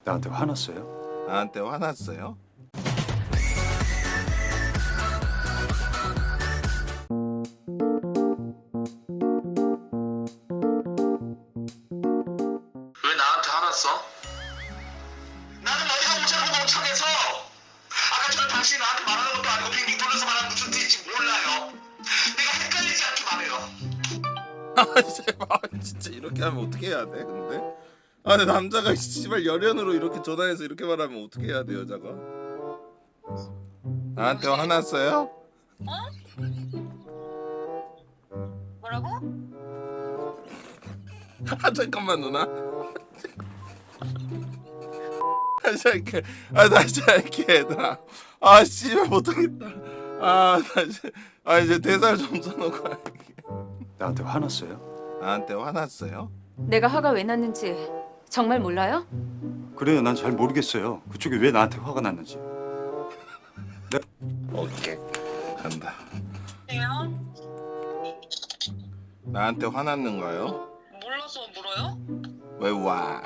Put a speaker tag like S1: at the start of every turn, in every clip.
S1: 나한테 화났어요?
S2: 나한테 화났어요?
S3: 왜 나한테 화났어? 나는 어디가 오자고 멍청해서 아까 전에 당신이 나한테 말하는 것도 아니고 빙빙 돌려서 말하는 무슨 뜻인지 몰라요. 내가 헷갈리지 않게 말해요.
S2: 아 제발 진짜 이렇게 하면 어떻게 해야 돼 근데? 아 근데 남자가 씨발 열연으로 이렇게 전화해서 이렇게 말하면 어떻게 해야 돼 여자가? 나한테 화났어요?
S4: 뭐라고?
S2: 아 잠깐만 누나. 다시 할게. 아 다시 할게 얘들아. 아 씨발 못하겠다. 아 다시. 아 이제 대사를 좀 써놓고 할게.
S1: 나한테 화났어요?
S2: 나한테 화났어요?
S5: 내가 화가 왜 났는지 정말 몰라요?
S1: 그래요, 난 잘 모르겠어요. 그쪽이 왜 나한테 화가 났는지.
S2: 오케이 간다.
S4: 네요?
S2: 나한테 화났는가요?
S4: 몰라서 물어요?
S2: 왜 와?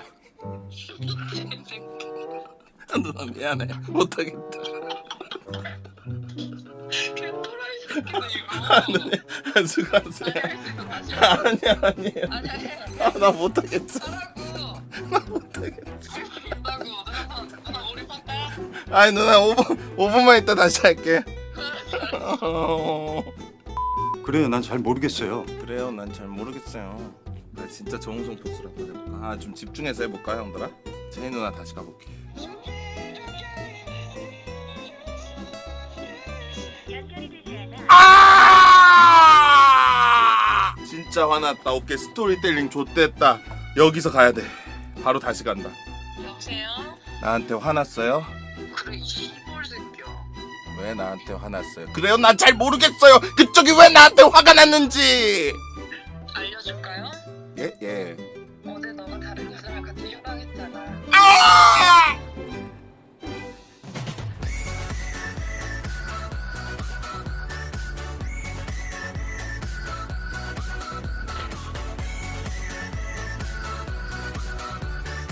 S2: 누나 미안해 못하겠다.
S4: 개토라이 새끼네
S2: 아
S4: 이거.
S2: 누나 수고하세요. 아니야 아니에요. 아 나 못하겠어. 나 못하겠어.
S4: 된다고. 누나 머리 팠다.
S2: 아니 누나 5분만 있다 다시 할게.
S1: 그래요, 난 잘 모르겠어요.
S2: 그래요 난 잘 모르겠어요. 나 진짜 정우성 포스를 한번 해볼까? 아 좀 집중해서 해볼까 형들아? 제이 누나 다시 가볼게. 아! 진짜 화났다. 오케이 스토리텔링 좆됐다. 여기서 가야 돼. 바로 다시 간다.
S4: 여보세요?
S2: 나한테 화났어요?
S4: 그래 이 시골 새끼야.
S2: 왜 나한테 화났어요? 그래요 난 잘 모르겠어요. 그쪽이 왜 나한테 화가 났는지.
S4: 알려줄까요?
S2: 예 예.